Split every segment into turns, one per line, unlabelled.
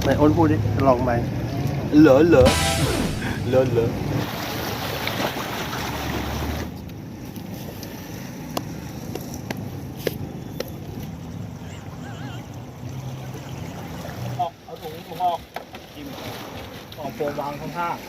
นอ้นพูดดิลองไปเหรอ
เอาถุงออกจิ้มออกโฟมวางข้างๆ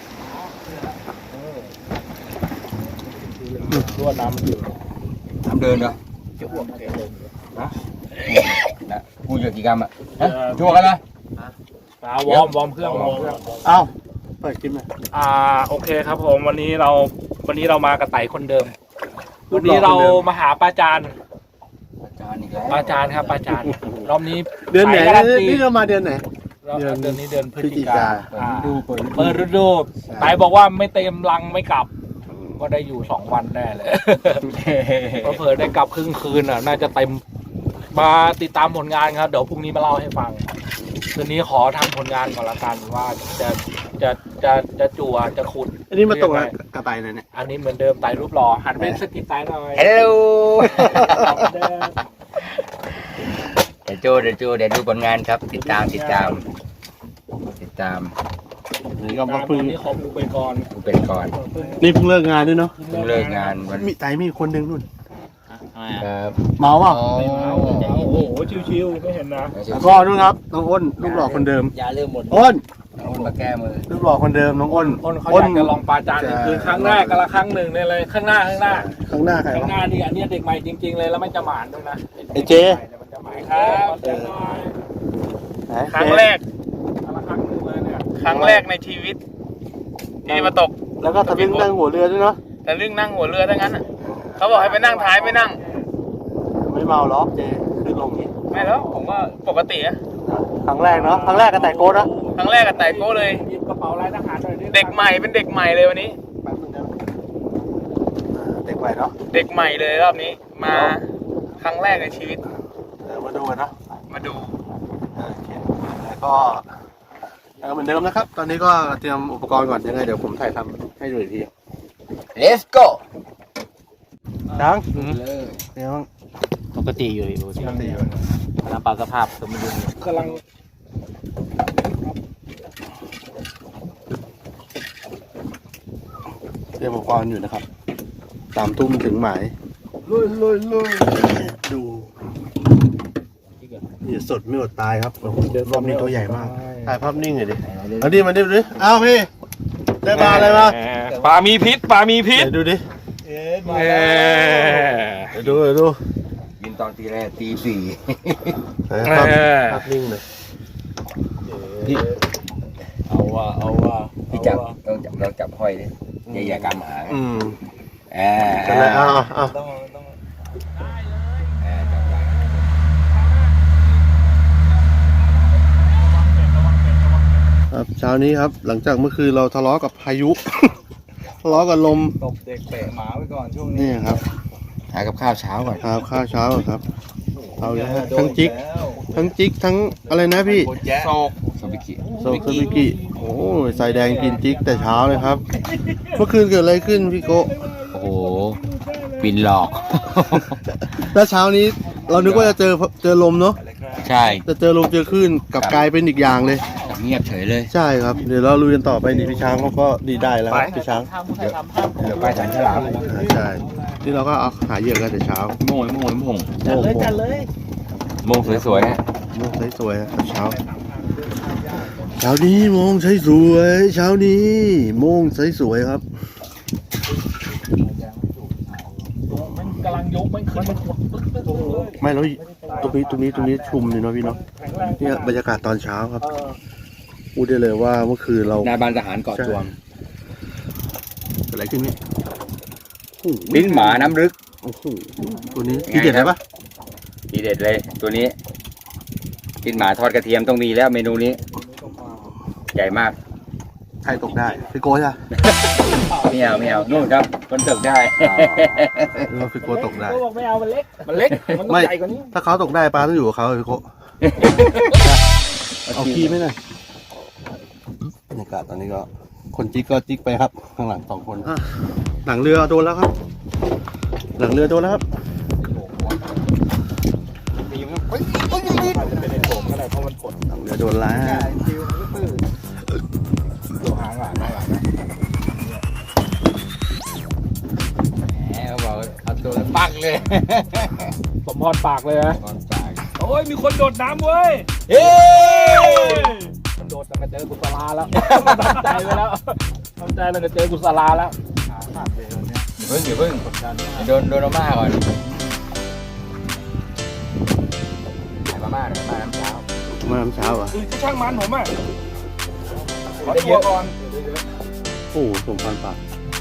รวดน้ำมันอยู่
น้ำเดินเหรอ
จะอ้วกเดิน
นะพูดเยอะกี่กรัมอ่ะชั่วกันเลย
วอร์มเครื่อง
เอ้าเปิดคลิปหน่อย
โอเคครับผมวันนี้เรามากับไต่คนเดิมวันนี้เรามาหาป้าจานป้าจานครับป้าจานรอบนี้
เดือนไหนนี่เรามาเดือนไหน
เดือนนี้เดือนพฤศจิกาเปิดฤดูไต่บอกว่าไม่เต็มรังไม่กลับก็ได้อยู่2 วันแน่เลยก็เผลอได้กลับครึ่งคืนน่าจะเต็มมาติดตามผลงานครับเดี๋ยวพรุ่งนี้มาเล่าให้ฟังคืนนี้ขอทำผลงานก่อนละกันว่าจะจั่วจะขุด
อันนี้มาตกกระต่ายเลยเนี่ย
อันนี้เหมือนเดิมไต่รูปหล่อหันเป็นสกิปไต่หน่อย
ฮัลโหลเดี๋ยวดูผลงานครับติดตามนี่
ก็มาพึ่ง
นี่ขอปูไปก่อน
นี่เพิ่งเลิกงานด้วยเนาะ
เพิ่งเลิกงาน
มีไต่มีคนหนึ่งนู่น
ครับ
เมาเปล่า
โอ้โหชิวๆไม่เห็นนะ
ก็นู่นครับน้องอ้นรูปหล่อคนเดิม
ยาเริ่มหมด
อ้น
มาแก้มือ
รูปหล่อคนเดิมน้องอ้น
เขาอยากจะลองปลาจานคือครั้งแรกกับละครั้งหนึ่งเลยข้างหน้าใครข้างหน้านี่อันนี้เด็กใหม่จริงๆเลยแล้วไม่จะหมานด้วยนะ
ไอเจ
จะหมายครับครั้งแรกละครั้งหนึ่งเลยเนี่ยครั้งแรกในชีวิตที่มาตก
แล้วก็ทะลึ่งนั่งหัวเรือด้วยเนาะ
ทะลึ่งนั่งหัวเรือทั้งนั้นเขาบอกให้ไปนั่งท้ายไม่นั่ง
ไม่เมาหรอกเจขึ้นลงนี้
ไม่แล้วผมว่าปกติอะ
ครั้งแรกเนาะครั้งแรกกับไต่โก้นะ
ครั้งแรกกับไต่โก้เลยหยิบกระเป๋าลายทหารหน่อยเด็กใหม่เป็นเด็กใหม่เลยวันนี้
เด็กใหม่เนาะ
เด็กใหม่เลยรอบนี้มาครั้งแรกในชีวิต
มาดูกันเนาะ
มาดู
แล้วก็เหมือนเดิมนะครับตอนนี้ก็เตรียมอุปกรณ์ก่อนยังไงเดี๋ยวผมถ่ายทำให้ดูอีกที
Let's go
ดังเดี๋ยว
ปกติอยู่ดูสิน้ำปลาสภาพสมดุลกำลัง
เตรียมอุปกรณ์อยู่นะครับ3 ทุ่มถึงหมายลุยดูนี่สดไม่อดตายครับโอ้โหรอบนี้ตัวใหญ่มากถ่ายภาพนิ่งเลยดิเอาดิมาดิอ้าวพี่ได้ปลาอะไรมา
ปลามีพิษ
ดูดิดู
บินตอนตีแรกตี 4
ภาพนิ่งเลย
เอาว่า
พี่จับต้องจับห้อยดิอย่ากำหาง
ครับเช้านี้ครับหลังจากเมื่อคืนเราทะเลาะกับพายุ ทะเลาะกับลม
ตบเด็กเตะหมาไว้ก่อนช่วงนี้
นี่ครับ
หากับข้าวเช้าก่อน
ครับข้าวเช้าครับเอาเลยทั้งจิกทั้งอะไรนะพี่
โซบิ
กิโอ้ใส่แดงกินจิกแต่เช้าเลยครับเมื่อคืนเกิดอะไรขึ้นพี่โก
โอ้โหบินหลอก
แล้วเช้านี้เรานึกว่าจะเจอลมเนาะ
ใช่
จะเจอลมเจอคลื่นกับกลายเป็นอีกอย่างเลย
เงียบเฉยเลย
ใช่ครับเดี๋ยวเราลุยกันต่อไปนี่พี่ช้างเขาก็ดีได้แล้วพี่ช้าง
เดี๋ยวไปสันฉลาม
ใช่ที่เราก็เอาหาเหยื่อกันแต่เช้า
โม่
จัดเลย
โม่สวย
โม่สวยครับเช้านี้โม่สวยเช้านี้โม่สวยครับ
มันกำลังยกมันขึ้นมัน
ไม่แล้วตรงนี้ชุ่มเลยเนาะพี่เนาะเนี่ยบรรยากาศตอนเช้าครับพูดได้เลยว่าเมื่อคืนเรา
นายบ้านทหารเกาะจวง
อะไรขึ้นนี่
ลิ้นหมาน้ำลึก
โอ้โหตัวนี้ทีเด็ดไหมปะ
ทีเด็ดเลยตัวนี้ลิ้นหมาทอดกระเทียมต้องมีแล้วเมนูนี้ใหญ่มาก
ใครตกได้พี่โก้ใช่
ไม่เอานู่นครับคนตกได้
เราพี่โก้ตกได้
ไม่เอามันเล็กมันใหญ่กว่านี้
ถ้าเขาตกได้ปลาต้องอยู่กับเขาพี่โก้เอาขี้ไหมน่ะบรรยากาศตอนนี้ก็คนจิกก็จิกไปครับข้างหลัง2 คนหลังเรือโดนแล้วครับหลังเรือโดนแล้วครับ
แหละเพราะมันกด
หลังเรือโดนแล้ว
ตัวหางหลังหลังนะ
แหมเขาบอกเอาตัวแล้วปักเลย
สมพรปากเลยนะ
ตอนปาก
โอ้ยมีคนโดดน้ำเว้ย
เฮ้ย
มันโดดจะมาเจอกุศลาแล้วตั้งใจไว้แล้วตั้งใจเราจะเจอกุศลาแล้วขาดเลยเนี่ย
เดี๋ยวเพิ่งโดนอาม่าก่อนขายมาม่าหน่อยมาม่าน้ำเช้า
มาน้ำเช้าเหรอ่ะ
คือช่างมันผมอ่ะขอ
ได้
ตั
เยว อะ
ก่อน
โอ้สมพันปาก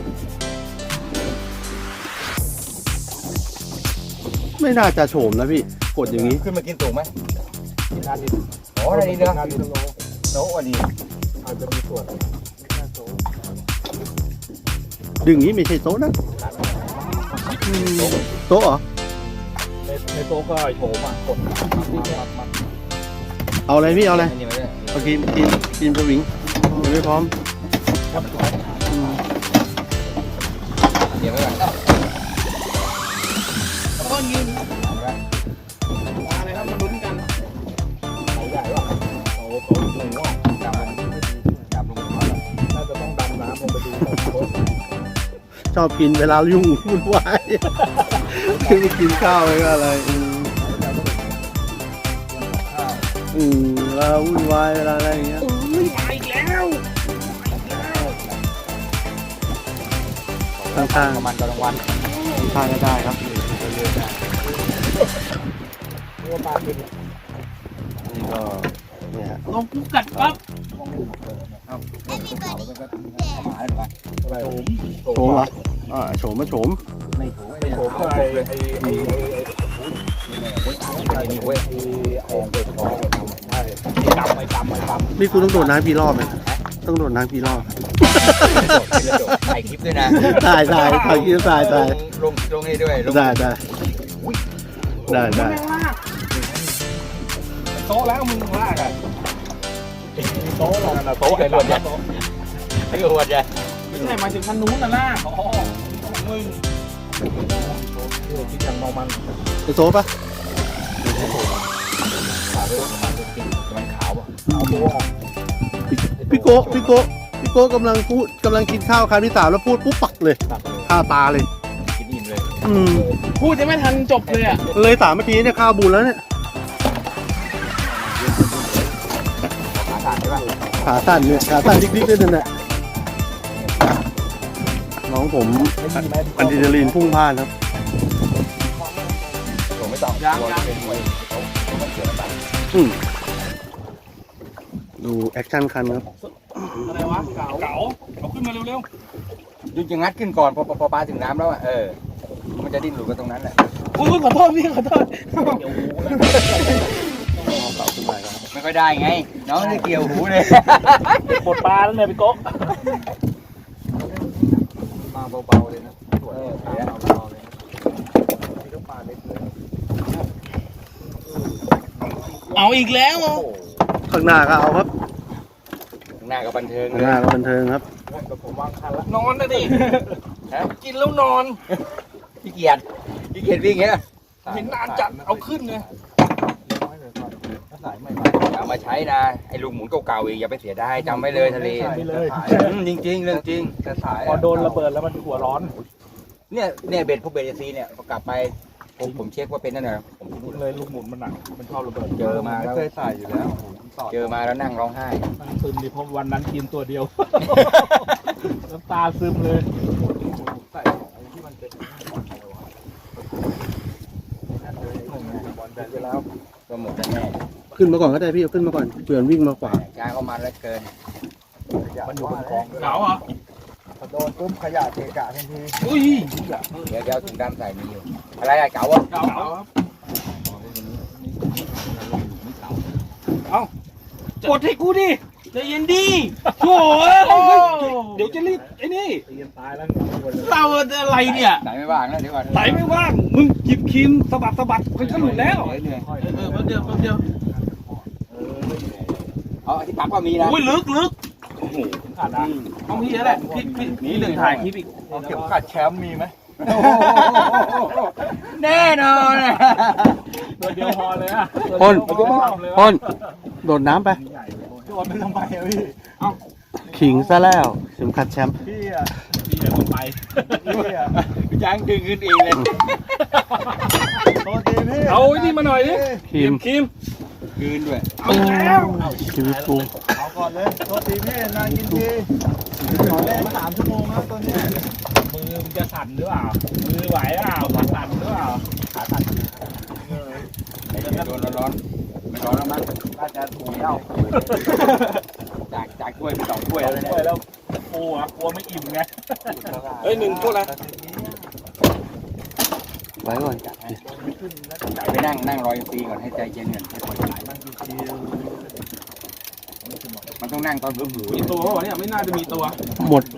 ไม่น่าจะโฉมนะพี่กดอย่างนี้
ขึ้นมากินสูงไหม
กินนาดิน
โอ้ได้ดีเนาะ
นาดินโล
โน้วันนี้
อาจจะมีส่วน
ดึงนี้ไม่ใช่โต๊ะนะโต๊ะเหรอ
ในโต๊ะก็โฉมอ่ะกดมัด
เอาอะไรพี่เอาอะไร
อันนี้มาด้วย
เอากินสวิงยังไม่พร้อม
เดี๋ยวไว้ก่อน
ต้นยิงอะไรครับมาลุ้นกันเขาใหญ่ว่ะเขาหนูว่ะ
จับลงมา
น่าจะต้องดำน้ำลงไปดูของโต๊ะ
ชอบกินเวลายุ่งวุ่นวายคือไปกินข้าวไปก็อะไรเวลาวุ่นวายเวลาอะไรอย่างเงี้ย
อุ้ยมาอีกแล้ว
ข้าง
ประมาณตอนกลางวัน
ๆข้างก็ได้ครับ
ตัวปลาเป็น
นี่ก็เนี่ยฮะ
ลงปุ๊บกัดปั๊บ
หมาหรือเปล่า
อะไรโฉม
โฉมเหรอโฉมมาโฉม
ไม่ถูกไม่
โฉ
ถู
ม
ก
ก็ไอ้
นี่เว้ย
ของเปิดคอใช่ไม่กำ
นี่คุณต้องโดดน้ำกี่รอบไหมต้องโดดน้ำกี่รอบ
ถ่ายคลิปด้วยนะ
ถ่ายคิดถ่าย
ลงนี่ด้วย
ได้
โต๊ะแล้วมึงลากอ่ะโต๊ะหรอกโต๊ะไอ้หลวดเนี่ย
ไอ้กวดเนี่ย
ไม่ใช่มาถึงคันนู้นน่ะล่ะอ๋อของมึงคิดอย่างเมามัน
จะโซ่ปะ
มันขาวอ่ะ
เอาตัว
พี่โกกำลังกินข้าวคำที่ 3แล้วพูดปุ๊บปักเลยข้าตาเลย
กินอิ่มเลย
พูดจะไม่ทันจบเลยอ่ะ
เลย3 นาทีเนี่ยข้าวบูนแล้วเนี่ย
ขาขาดใช่ป่ะ
ขาสั่นดิ๊กๆด้วยนั่นแหละน้องผมอะดรีนาลีนพุ่งพล่านครับ
ผมไม่ต้องเป็นมวยต้องเสือตัด
ดูแอคชั่นคันครับ
อะไรวะเก๋าเอาขึ้นมาเร็ว
ยุจะงัดขึ้นก่อนพอปลาถึงน้ำแล้วอ่ะมันจะดิ้นหลุดกันตรงนั้นแหละ
ๆอุ้ยขอโทษพี่ขอโทษเดี๋ยวหูแล้ว
ไม่ค่อยได้ไง น้องนี่เกี่ยวหูเลย
บดปลาแล้วเนี่ยพี่โก๊ก
มาเบาๆเลยนะเบาๆเลย
เอาอีกแล้ว
ข้างหน้าก็เอาครับ
หน้ากับบันเทิง
ข้าง
เล
หน้าย ก็บันเทิงครับ
ผมวางคันแล้วนอนนะดิกินแล้วนอน
ขี้เกียจวิ่งเงี้ย
เห็นนานจัดเอาขึ้นเลย
เอามาใช้นะไอ้ลูกหมุนเก่าๆอีกอย่าไปเสียดายจำไว้เลยทะเลจริงๆเรื่องจริงจะสาย
พอโดนระเบิดแล้วมันหัวร้อน
เนี่ยเบ็ดพวกเบ็ดซีเนี่ยพอกลับไปผมเช็คว่าเป็นนั่นน่ะผมพูด
เลยลูกหมุนมันหนักมันชอบระเบิด
เจอมาแล้ว
เคยใส่อยู่แล้ว
เจอมาแล้วนั่งร้องไห้
มันซึมดิเพราะวันนั้นกินตัวเดียวน้ำตาซึมเลย
ใส่อะไรที่มันเป็นบอลแบนไปแล้ว
ก็หมดแน่
ขึ้นมาก่อนก็ได้พี่เอาขึ้นมาก่อนเผื่อวิ่งมาขวา
ๆจ้าเข้ามาแล้วเกิน
มันอยู่บนคลอง
เหงาเหรอ
พอโดนปุ๊บขยะเกะกะทันที
อุ้ย
เดี๋ยวถุงดำใส่มีอยู่อะไรอะเก๋าวะ
เหงาครับเอากดให้กูดิใจเย็นดิโถ่เดี๋ยวจะรีบไอ้นี่
เรียนตายแล้ว
เราอะไรเนี่ย
ไหนไม่ว่างแล้วเดี๋ยวก่อน
ไหนไม่ว่างมึงหยิบครีมสะบัดมันก็หลุดแล้ว
เหนื่อย
แป๊บเดียว
อ๋อที่ปักก็มีนะ
อุ้ยลึกขาดนะต้องพี่แล้วแหละพี่หนึ่งถ่ายคลิปอีก
เอาเข็มขัดแชมป์มีไหม
แน่นอน
ตัวเดียวพอเลยอ่ะ
พ่น
ตัวเดียวทำเลยว่ะ
พ่นโดดน้ำไป
โดนไปทำไมอะพี่
ขิงซะแล้วเข็มขัดแชมป์
พี่อะ
พี่เดี๋ยวผมไป
พี่อะ
ย่างดึงขึ้นเองเลย
โทษทีพี่
เอาไอ้นี่มาหน่อยดิ
ครีม
ครีม
คืนด้วย
เอาอีกแล้ว
ชีวิตกู
เอาก่อนเลยโทษทีพี่นานกินทีขอแรง3 ชั่วโมงครับตอนนี้
มือมึงจะสั่นหรือเปล่ามือไหวเปล่าขาสั่นหรือเปล่าขาสั่น
โดนร้อนๆไม่ร้อนแล้วมั้ง
น่าจะถูกแล้ว
จากถ้วยเป็น2 ถ้วยแล้ว
ด้วยแล้วกลัวไม่อิ่มไงเฮ้ย1 ถ้วยละ
ไว้ก่อน
ไปนั่งรอฟรีก่อนให้ใจเย็นก่อนให้ปล่อยสายมันต้องนั่งตอนหือ
มีตัวเขาบอกเนี่ยไม่น่าจะมีตัว
หมด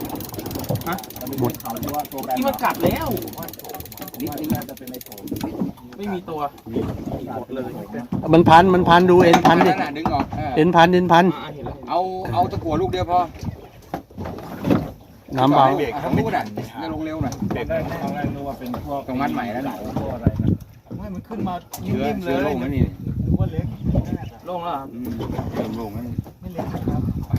ที่มันกัดแล้ว
นิดนึง
ไม่มีตัว
มันพันดูเอ็นพันดิ
นั่นดึงออก
เอ็นพัน
เอาตะกั่วลูกเดียวพอ
น้ำเบา
ทั้งลูกน่ะจะลงเร็วหน่อย
เด็กได้ครั้งแรกนึกว่าเป็นพวก
ต้องมัดใหม่แล้วน่ะ
พวกอะไรนะ
ไม่มันขึ้นมา
เชื้อ
นิ่มๆเล
เชื้อย โรคนั่นนี่
นึกว่าเล็ก
โล่งแล้ว
เชื้อโรคนั่น
ไม่เล็กนะครับ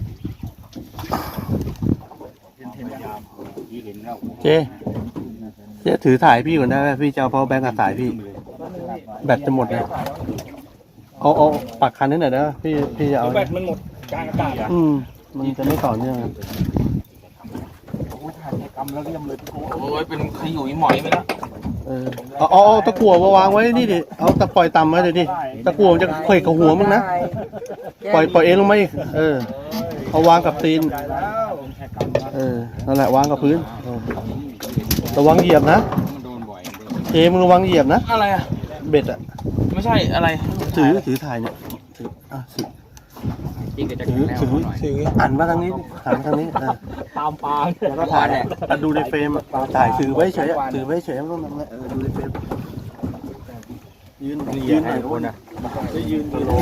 เห็นแล้ว
เจ๊ถือถ่ายพี่ก่อนได้ไหมพี่จะเอา power bank กับสายพี่ แบตจะหมดเลยเอาปักคันนิดหน่อยนะพี่จะเอา
แบตมันหมดกลางอากาศอ่ะ
มันจะไม่ต่อเนื่องครับ
โอ้ยถ่ายกิจกรรมแล้วเรียมเลยพี่โก้
โอ้ยเป็นขยุยหมอยไปแล้ว
เอาตะกั่วมาวางไว้นี่ดิเอาตะปล่อยต่ำไว้เลยดิตะกั่วมันจะเขวกกับหัวมึงนะปล่อยเองลงมาอีกเอาวางกับตีน
ใหญ่แล้ว
นั่นแหละวางกับพื้นระวังเหยียบนะ
มันโดนบ่อย
เจมึงระวังเหยียบนะ
อะไรอ่ะ
เบ็ดอ่ะ
ไม่ใช่อะไร
ถือถ่ายเนี่ยถือ
จริงก็จะ
ถื
แข็
อง
แรงหน่อย
หันมาทางนี้หันมาทางนี้
ตามปลา
แล้วก็ถ่ายเนี่ยดูในเฟรมถ่ายถือไว้เฉยถือไว้เฉยไม่ต้องทำอะไรดูในเฟรมยืนหน่อยคนอ่ะ
ยืนตัว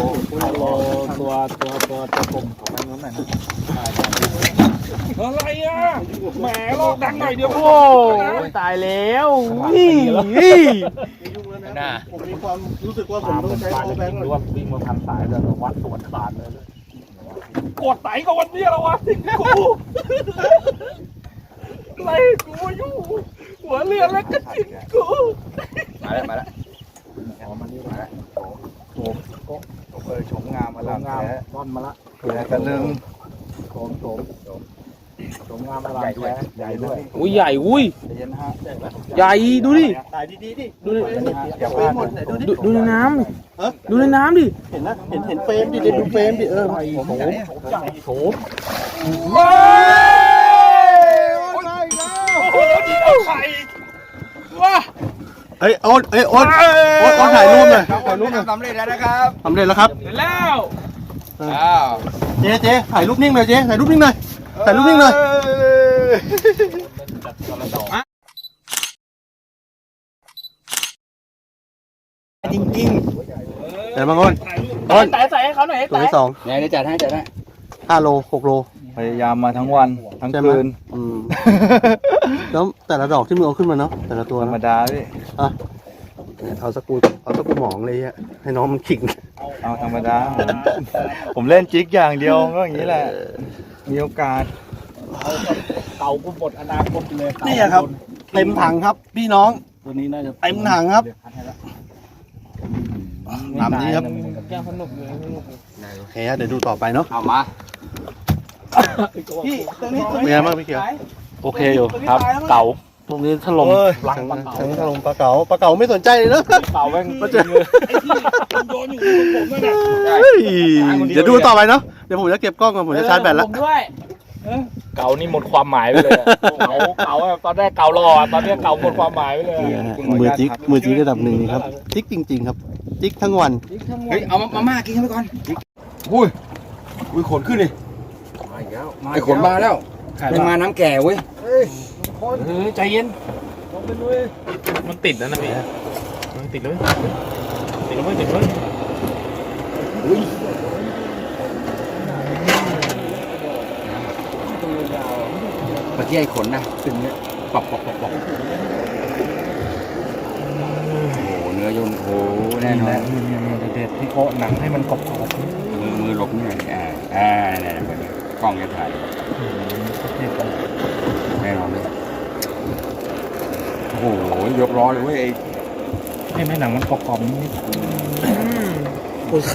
กลมของมันนู้นหน่อยนะอะไรอ่ะแหมโลกดังหน่อยเดียวโอ้ตายแล้วน่า
ผมมีความรู้สึกว่าผมต้องใช้ power bank
หรือว่าวิ่งมาพันสายแล้ววัดสวนขาดเลยกดไหนก็วันนี้แล้ววะทิ้งกูอะไรกูอยู่หัวเรือแล้วก็ทิ้งกู
มาแล้ว
ชมงามมาแล้ว
งามต้นมาละ
แผลกันหนึ่ง
โฉมงามอลังแท้
ใหญ่ด้วย
อุ้ยใหญ่อุ้ย
ใจเย็นนะฮะ
ใหญ่ดูดิ
ถ่ายดีดิ
ดูดิ
อย่าพ
เฟร
ลาม ด
หมดไหนดูดิ
ดูในน้ำดิดูในน้ำดิ
เห็นนะเห็นเฟรมดิดูเฟรมดิ
โฉม
ว้า
โอ้โหนี่เอาไข่ว้า
เอ้ยโอ๊ตถ่ายรูปหน่อยถ่ายรูปหน่อย
สำเร็จแล้วนะครับ
สำเร็จแล้วครับ
เสร็จแล้ว
อ้าว
เจ๊ถ่ายรูปนิ่งหน่อยเจ๊ถ่ายรูปนิ่งหน่อยถ่ายรูปนิ่งหน่อยจริงๆแต่บางคน
แต่ใส่ให้เขาหน่อย
ตัวที่สอง
เนี่ยได้จัดให้
5 โล 6 โล
พยายามมาทั้งวันทั้ง
ใช่ไหม
คืน
แล้วแต่ละดอกที่มึงเอาขึ้นมาเนาะแต่ละตัว
ธรรม
นะ
ดาพี่
เอาสกูหมองเลยอะให้น้องมันขิง
เอาธรรมดา ผมเล่นจิกอย่างเดียวก็อย่างนี้แหละ มีโอกาส
เก่ากูหมดอนาคตเลย
นี่ครับเต็มถังครับพี่น้อง
ตัวนี้น่าจะ
เต็มถังครับตามนี้ครับ
ยังสนุกเลย
โอเคครับเดี๋ยวดูต่อไปเนาะ
เอามา
พี่ตรงนี้เป็นไงบ้างพี่เขียว
โอเคอยู่ครับเก่า
ตรงนี้ถล่มทั้งถล่มปลาเก๋าไม่สนใจเลยนะ
เก่าแม่ง
มาเจอ
ไอ้ที่โยนอยู่บนผมนั่นแหละ
เดี๋ยวดูต่อไปเนาะเดี๋ยวผมจะเก็บกล้องก่อนผมจะชาร์จแบตแล้ว
ผมด้วยเก่านี่หมดความหมายไปเลยเก่าตอนแรกเก่ารอตอนนี้เก่าหมดความหมายไปเลย
มือจิ๊กระดับหนึ่งนี่ครับจิ๊กจริงๆครับจิ๊กทั้งวัน
เฮ้ยเอามาม่ากินกันไปก่อนอุ้ยขนขึ้นเลยไอ้ขนมาแล้วยังมาน้ำแก่เว้ย
ใจเย็นมันติดแล้วนะพี่มันติดเลยติดเลยติดเลย
เมื่อกี้ไอ้ขนนะขึ้นเนี่ยปอกโอ้โหเนื้อยนโอ้โหแน่น่นอน
เด็ดพี่โกะหนังให้มันกรอบ
มือหลบนี่หน่อยเนี่ยกล้องจะถ่ายแน่นอนเลยโอ้โหยกล้อเลยเว้ย
ให้แม่หนังมันกรอบๆนิด
โอ้ยขา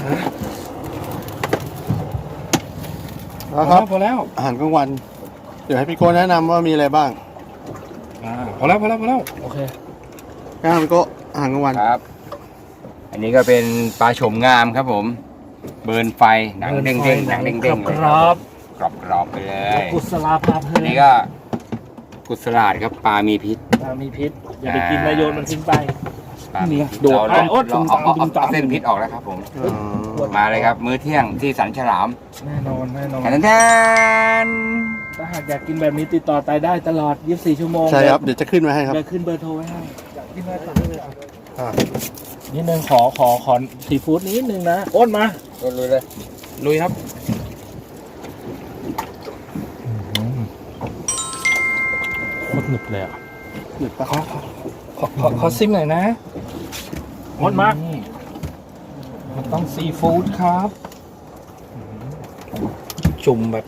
แล้วครับ
พอแล้ว
อาหารกลางวัน เดี๋ยวให้พี่โก้แนะนำว่ามีอะไรบ้าง
พอแล้วโอเค
แนะนำพี่โก้อาหารกลางวัน
ครับ อันนี้ก็เป็นปลาโฉมงามครับผม เบิร์นไฟหนังเด้งๆหนังเด้งๆเลย
กรอบ
กรอบๆไปเลย
กุศลาภาเพลิ
อันนี้ก็กุศลาดครับปลามีพิษ
มีพิษอย่าไปกินนายโยนมันทิ้งไป
ปลามีพิษ
โดด
เรา
โอ๊ต
เอาเส้นพิษออกแล้วครับผม มาเลยครับ มื้อเที่ยงที่สันฉลาม
แน่นอน
แทน
ถ้าหากอยากกินแบบนี้ติดต่อไปได้ตลอด 24 ชั่วโมง
ใช่ครับ เดี๋ยวจะขึ้นมาให้ครับ
เดี๋ยวขึ้นเบอร์โทรไว้ให้อยากกินอะไรสั่งได้เลย
อ่า
นิดนึงขอซีฟู้ดนิดนึงนะโอนมา
ลุยเลย
ลุยครับโคตรหนึบเลยอ่ะ
หยุดปะ
ขอซิมหน่อยนะโอนมามันต้องซีฟู้ดครับจุ่มแบบ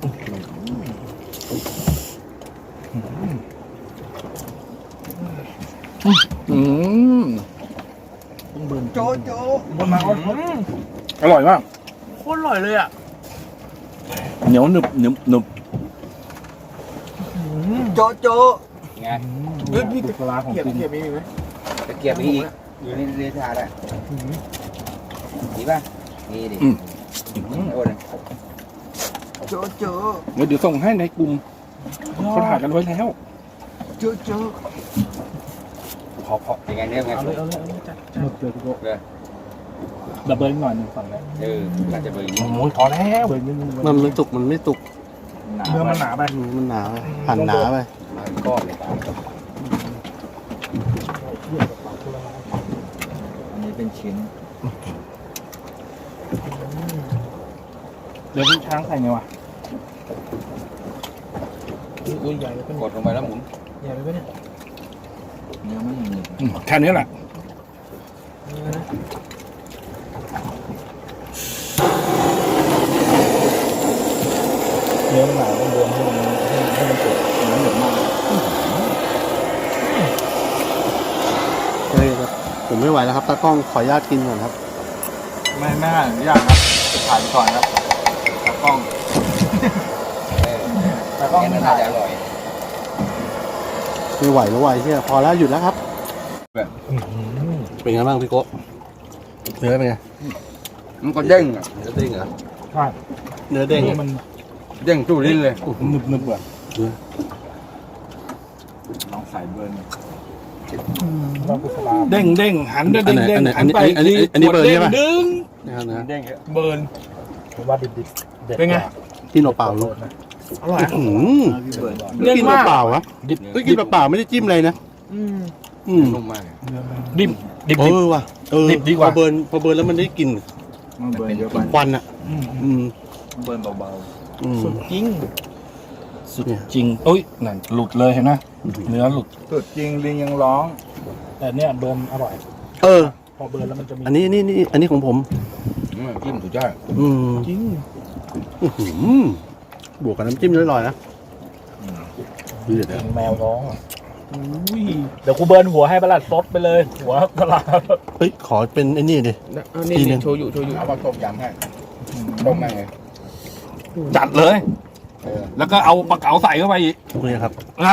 โจโจ
โอนมาโอนอร่อยมากโคตรอร่อยเลยอ่ะเหนียวหนึบหนึบ
โจโจไง
พี่ตะกร้าของจริง
ตะเกียบมีอีกอยู่ในเรือทาได้ดีป่ะนี่ดิโอ้ยโจโจ
เดี๋ยวส่งให้ในกลุ่มเขาถ่ายกันไว้แล้ว
โจโจพอยังไงเนี่ยไง
เอาเลยจัดหมดเลยทุกคน
เลย
ดับเบิลหน่อยหนึ่งฝั่งเลย
อาจจะเบอร์
โอ้ยพอแล้วเบิลนิดนึง
มันไม่สุก มันไม่สุก
เนื้อมันหนาไป
มันหนาไปหั่นหนาไป
มาก้อนเลยอันนี้เป็นชิ้น
เดี๋ยวพี่ช้างใส่ไงวะอุ้ยใหญ่เลย
กดลงไปแล้วหมุน
ใหญ่เลยเนี่ย
เนื้อไม่มี
แค่นี้แหละ
เนื้อมันหนาต้องรวมให้มันสุกเนื้อเหนียวมาก
เฮ้ยครับผมไม่ไหวแล้วครับตากล้องขออนุญาตกินก่อนครับ
ไม่ยากครับถ่ายไปก่อนครับตากล้อง
แต่ก็ไม่
น่า
ถ่าย
จะอร่อย
ไม่ไหวแล้วไหวเชี่ยพอแล้วหยุดแล้วครับ เป็นไงบ้างพี่โก้เนื้อเป็นไง
มันก็เด้งอ่ะ
เนื้อเด้งเหรอ
ใช่
เนื้อเด้ง
มัน
เด้งตู้ลิ้นเลย
หนึบอ่ะ
ลองใส่เบิร์น
เรากุศลา
เด้งหันเด้ง
อันไหน
หันไป
อันนี้เบิร์นใช่ปะ
ดึง
นะครับนะ
เด้งเยอะ
เบิร์น
ว่าดิบเด็ด
เป็นไง
กินเปล่าๆลูก
อร่อย
อืม
เด้ง
กิน
มาก
เปล่าๆวะ
ดิบ
เฮ้ยกินเปล่าๆไม่ได้จิ้มอะไรนะอืม
นุ่มมาก
ดิบ
เออว่ะดิบดีกว่าพอเบิร์นแล้วมันได้กลิ่น
มันเบิร์นเยอะไป
ควันอ่ะอืม
เบิร์นเบา
อืม
สุดจริง
สุดเนี่ย
จริงโอ้ยนั่นหลุดเลยเห็นไหมเนื้อหลุด
ๆสุดจริงลิงยังร้อง
แต่เนี่ยเบิร์นอร่อย
เออ
พอเบิร์นแล้วมันจะมี
อันนี้ของผม
จิ้มสุดยอด
อืม
จริง
อื้อหือบวกกับน้ำจิ้มอร่อยๆนะเดือด
แมวร้องอ่ะอุ้ยเดี๋ยวกูเบิร์นหัวให้ประหลัดซดไปเลย หัวตลาด
เฮ้ยขอเป็นไอ้นี่ดิ ทีนึง
โชยุ
เอามาต้มยำให้ต้มแม่งเลย
จัดเลย แล้วก็เอาปลาเก๋าใส่เข้าไปอีก
นี่ครับ
นะ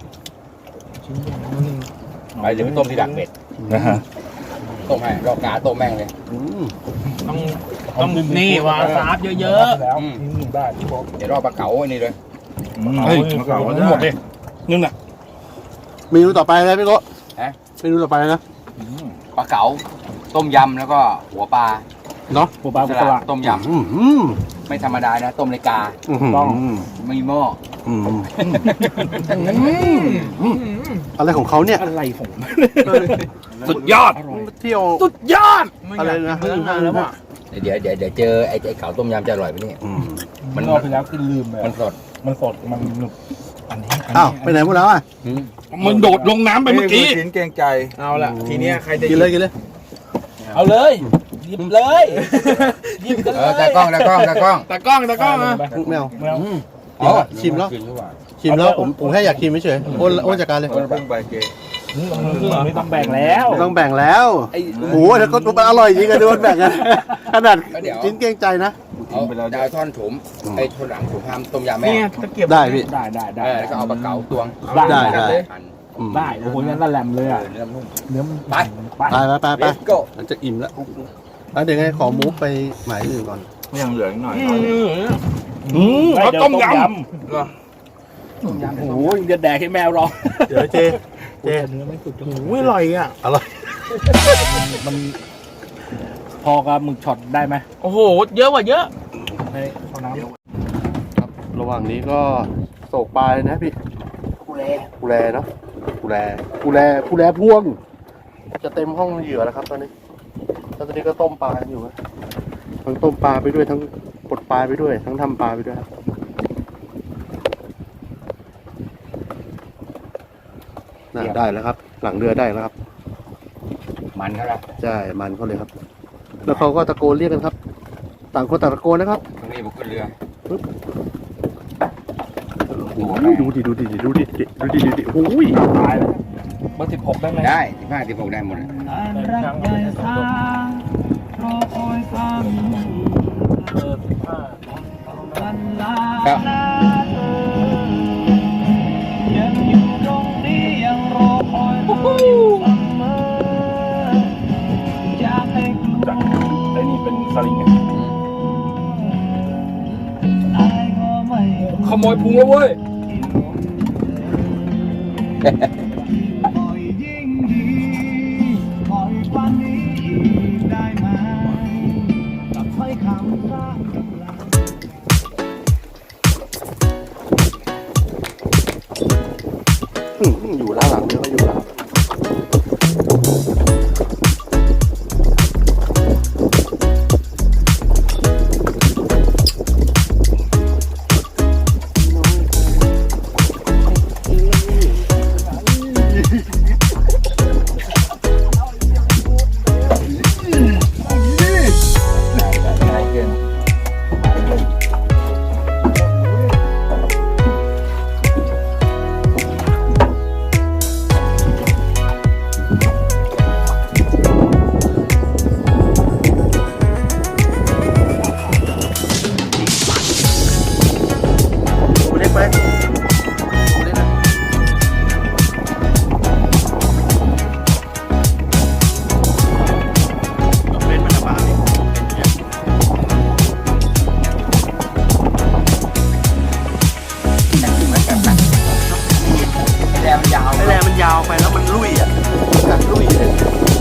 ไปเดี๋ยวไปต้มที่ดักเบ็ด
นะฮะ
ต้มให้รอบกาต้มแม่งเลย
อืม
ต้องนี่วาซาบเยอะ
แล้วได้ที่บอก
เดี๋ยวรอบปลาเก๋าอันนี้เลย
ๆเฮ้ยปลาเก๋าหมดดินึงน่ะ
เมนูต่อไปอะไรพี่โก้เมนูต่อไปนะ
ปลาเก๋าต้มยำแล้วก็หัวปลา
เนาะ
ปูปลา
ส
ปู
ลั
ปลา
ดต้มย
อืม
ำไม่ธรรมดานะต้มเลยกา
ต้อง
ไม่หม้อ
อืมอะไรของเขาเนี่ย
อะไรของมัน
สุดยอด
เที่ยว
สุดยอด
อะไรนะ
แล้วอ่ะ
เดี๋ยวเจอไอ้เก๋าต้มยำจะอร่อยไหมเนี่ย
อืม
มันรอบไปแล้วคือลืมไป
มันสด
มันสดมันหนึบอันนี้
อ้าวไปไหนหมดแล้วอ่ะ
มันโดดลงน้ำไปเมื่อกี้
ชิ้นเกรงใจ
เอาละทีเนี้ยใครจะ
กินเลยกินเลย
ค
เอาเลยหยิบเลยหยิบกันเลย
ตากล้อง
ตากล้องอ่ะ
ไม่เอา
อ๋อ
ชิมแล้วผมแค่อยากชิมเฉยๆโอนจัดการเลย
ไม่ต้องแบ่งแล้ว
ต้องแบ่งแล้วโอ้โหแล้วก็มันอร่อยจริงอะโดนแบ่งกันขนาดชิ้นเกรงใจนะ
เอาดาวท่อนถมไอ้ท่อนหลังผมทำต้มยำแม่
ได้พี่
ได้
แล้วก็เอาปลาเก๋าตวง
ได้
ได้โอ้โหงั้นละแหลมเลยอ่ะ
เนื้อนุ่ม
เนื้อ
ไป
ไป
let's go
มันจะอิ่มแล้วเดี๋ยวไงขอมูฟไปหมายอื่นก่อน
ยังเหลืออีกหน่อย
เขาต้มยำโอ้โหจะแดกให้แมวรอ
เดี๋ยวเจ
เนื้อไม่สุกโอ้ยอร่อยอ่ะ
อร่อย
มันพอกับหมึกช็อตได้ไหม
โอ้โหเยอะกว่าเยอะ
ให้เอาน้ำ
ครับระหว่างนี้ก็โศกปลาเลยนะพี่กูแลเนาะกูแลพวง จะเต็มห้องเหยื่อแล้วครับตอนนี้แล้วตอนนี้ก็ต้มปลาอยู่นะทั้งต้มปลาไปด้วยทั้งปลดปลาไปด้วย ทั้งทำปลาไปด้วยครับน่าได้แล้วครับ หลังเรือได้แล้วครับ
มันเขาละ
ใช่มันเขาเลยครับ แล้วเขาก็ตะโกนเรียกกันครับ ต่างคนต่างตะโกนนะครับ
ตรงนี้บุกขึ้นเรือ
โอ้ยดูดิโอ้ย
ตายแล้วเบอร์16ได้ไหม
ได้15 16ได้หมดเลยครับ
ไอ้นี่เป็นสลิงไงขโมยพุงแล้วเว้ย
อยู่ด้านหลังเรือก็อยู่แล้ว เล็กไปเล็กนะเล่นมันจะบาน
แรงมันยาว
แรงมันยาวไปแล้วมันลุยอ่ะกัดลุยเลย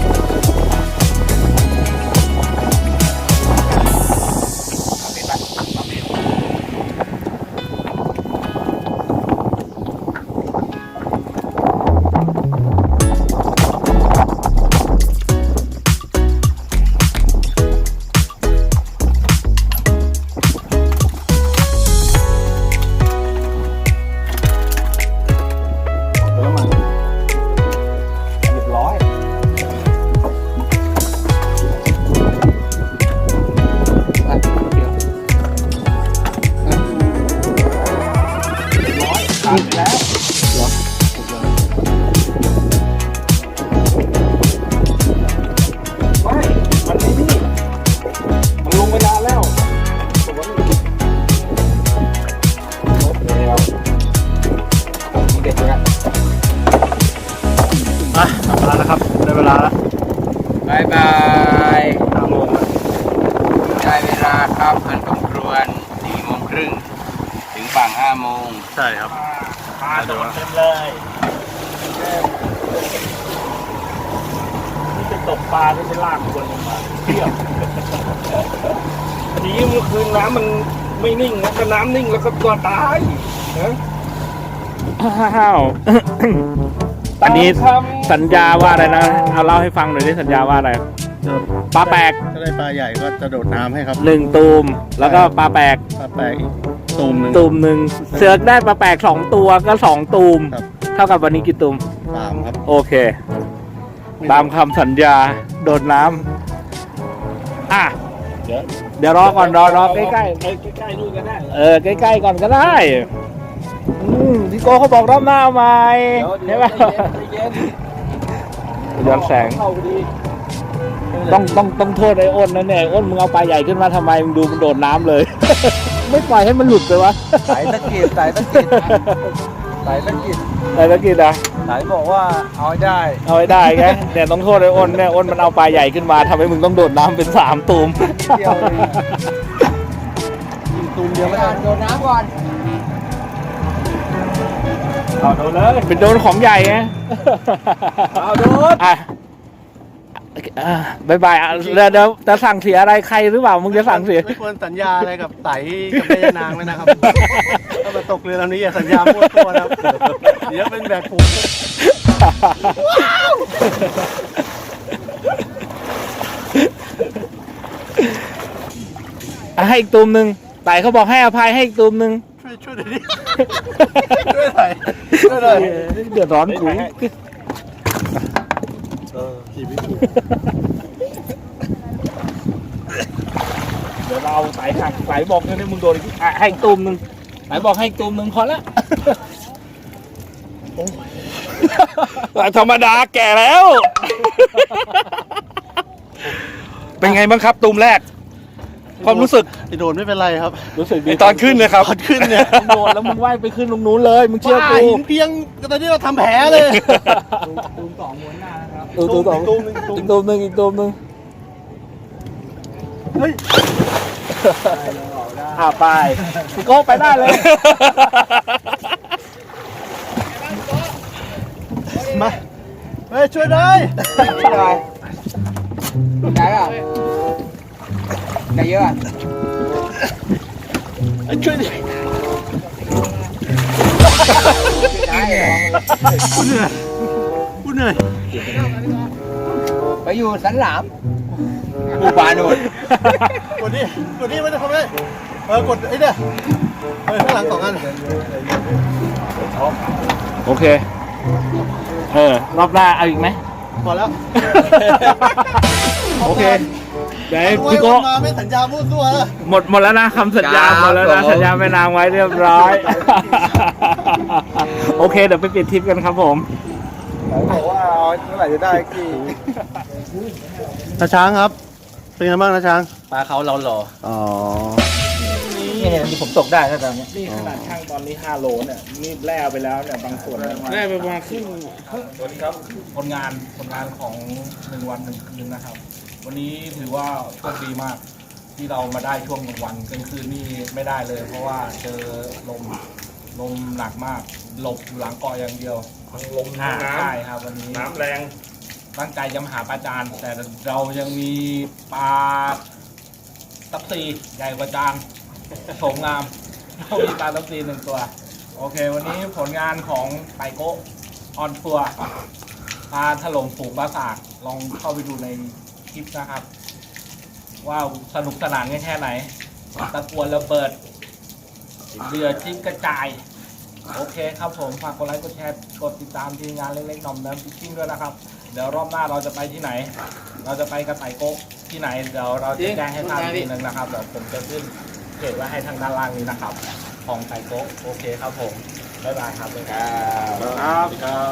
มาแล้วครับได้เวลาแล้ว
บายบายได้เวลาครับอันสมควร4:30ถึงฝั่ง5 โมง
ใช่ครับ
ปลาโดนเต็มเลยนี่จะตกปลาไม่ใช่ลากคนลงมาเที่ยวอันนี้เมื่อคืนน้ำมันไม่นิ่งนะก็น้ำนิ่งแล้วก็ตัวตายนะอ้าวอันนี้สัญญาว่าอะไรนะเอาเล่าให้ฟังหน่อยดิสัญญาว่าอะไรปลาแปลก
ถ้าได้ปลาใหญ่ก็จะโดดน้ำให้ครับ
1 ตูมแล้วก็ปลาแปลก
ปลาแปลกอีกตูมหนึ่ง
ตูมหนึ่งเสือกได้ปลาแปลก2 ตัวก็2 ตูม
ครับ
เท่ากับวันนี้กี่ตูม
3ครับ
โอเค ตามคำสัญญาโดดน้เดี๋ยวรอก่อนรอใกล้ๆ
ใกล้ๆนู่นก็ได้
ใกล้ๆก่อนก็ได้พี่โก้เขาบอกรอบหน้าเอาใหม่ใช่ไหมย้อนแสงต้องโทษไอ้อ้นนะเนี่ยอ้นมึงเอาปลาใหญ่ขึ้นมาทำไมมึงดูมันโดดน้ำเลย ไม่ปล่อยให้มันหลุดเลยวะ
สายตะกิดสายตะกิดสายตะกิด
อะไรตะกี้นะ
สายบอกว่าเอาให้ได้
เอาไว้ได้ไงเนี่ยต้องโทษไอ้อ้นเนี่ยอ้นมันเอาปลาใหญ่ขึ้นมาทำให้มึงต้องโดดน้ำเป็น3 ตูม
เดียวเลยตูมเดียวไม่ได้โดนน้ำก่อน
เอาโดนเลยเป็นโดนของใหญ่ไง
เอาโดน
อ่ะบายบายอ่ะเดี๋ยวจะสั่งเสียอะไรใครหรือเปล่ามึงจะสั่งเสีย
ไม่ควรสัญญาอะไรกับไต่กับแม่ย่านางเลยนะครับ ถ้ามาตกเรือลำนี้อย่าสัญญามั่วตัวนะครับเดี๋ยวเป็นแบบผม
ให้อีกตูมหนึ่งไต่เขาบอกให้อภัยให้อีกตูมหนึ่ง
ช่วยหน่อยดิช่วยหน่อยช่วยหน่อย
เดือดร้อนกู
ขี่ไม่ถูก
เดี๋ยวเราเอาไต่หักไต่บอกเนี่ยมึงโดนอีกให้อีกตูมหนึ่งไต่บอกให้อีกตูมหนึ่งพอละธรรมดาแก่แล้ว
เป็นไงบ้างครับตูมแรก ความรู้สึก
ไอ้โดนไม่เป็นไรครับ
รู้สึกดี
ตอนขึ้นเลยครับ
ตอนขึ้นเนี่ย
มึงโดนแล้วมึงว่ายไปขึ้นตรงนู้นเลยมึงเชื่อ
ป้า
กู
หินเพียงตอนนี้เราทำแผลเลย
ตูม2ม้วนหน้านะครับ
ตูมตูมหนึ่งตูม
อีกตูมหนึ่งอีกตูมหนึ่ง
เฮ้ย
ไปพี่โก้ไปได้เลย
มาเฮ้ยช่วยได้
ได้ป่ะได้เยอะอ่ะ
ช่วยดิ
ได้เหรอ
กูเหนื่อยกูเหนื่อย
ไปอยู่สันหลามหมู่บ้านนู่น
กดนี่ไม่ได้ทำได้กดไอ้เนี่ยข้างหลัง2 อัน
โอเครอบหน้าเอาอีกไหม
พอแล้ว
โอเคเดี๋ยว
พี่
พี่โก้
มาไม่สัญญาพูดตัวแล้ว
หมดแล้วนะคำสัญญาหมดแล้วนะสัญญาแม่นางไว้เรียบร้อย โอเคเดี๋ยวไปปิดทริปกันครับผม
บอกว่าเมื่อไหร่จะได้กี่
นาช้างครับ เป็นไงบ้างนาช้าง
ปลาเขาเราหล่อ
อ๋อ
นี่เนี่ยผมตกได้ถ้าตอนนี้
นี่ขนาดช่างตอนนี้5 โลเนี่ยนี่แล่ไปแล้วเนี่ยบางส่วนแล่ไปประมาณครึ่งสวัสดีครับผลงานของ1 วัน 1 คืนนะครับ วันนี้ถือว่าโชคดีมากที่เรามาได้ช่วงกลางวันกลางคืนนี่ไม่ได้เลย เพราะว่าเจอลมหนักมากหลบอยู่หลังเกาะอย่างเดียวทั้งลมทั้งน้ำใช่ครับวันนี้น้ำแรงตั้งใจจะมาหาปลาจานแต่เรายังมีปลาตับซีใหญ่กว่าจานโฉมงามเรามีปลาตับซี1 ตัว โอเค วันนี้ผลงานของไตโก้ออนทัวร์พาถล่มฝูงปราสาทลองเข้าไปดูในคลิปนะครับ ว่าสนุกสนานแค่ไหน ตะกวนระเบิดเรือจิ้งกระจาย โอเคครับผม ฝากกดไลค์กดแชร์กดติดตามทีมงานเล็กๆหน่อมน้ำฟิชชิ่งด้วยนะครับ เดี๋ยวรอบหน้าเราจะไปที่ไหน เราจะไปกระต่ายโก๊กที่ไหน เดี๋ยวเราจะแจ้งให้ทราบทีนึงนะครับ เดี๋ยวผมจะขึ้นเพจไว้ให้ทางด้านล่างนี้นะครับ ของไต่โก๊กโอเคครับผม บ๊ายบายครับครับ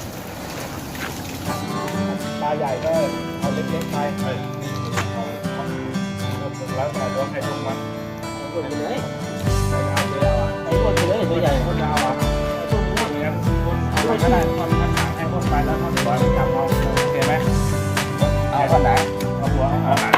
ปลาใหญ่ก็เอาเล็กๆไปแล้วแต่ตัวใครตัวมันกดไปเลยไอ้คนเลยตัวใหญ่คนยาวอ่ะช่วงนี้อย่างนั้นคนเอาไปก็ได้คนทางให้คนไปแล้วคนหัวจับเอาโอเคไหม
เอาคนไหน
เอาหัวเอาหาง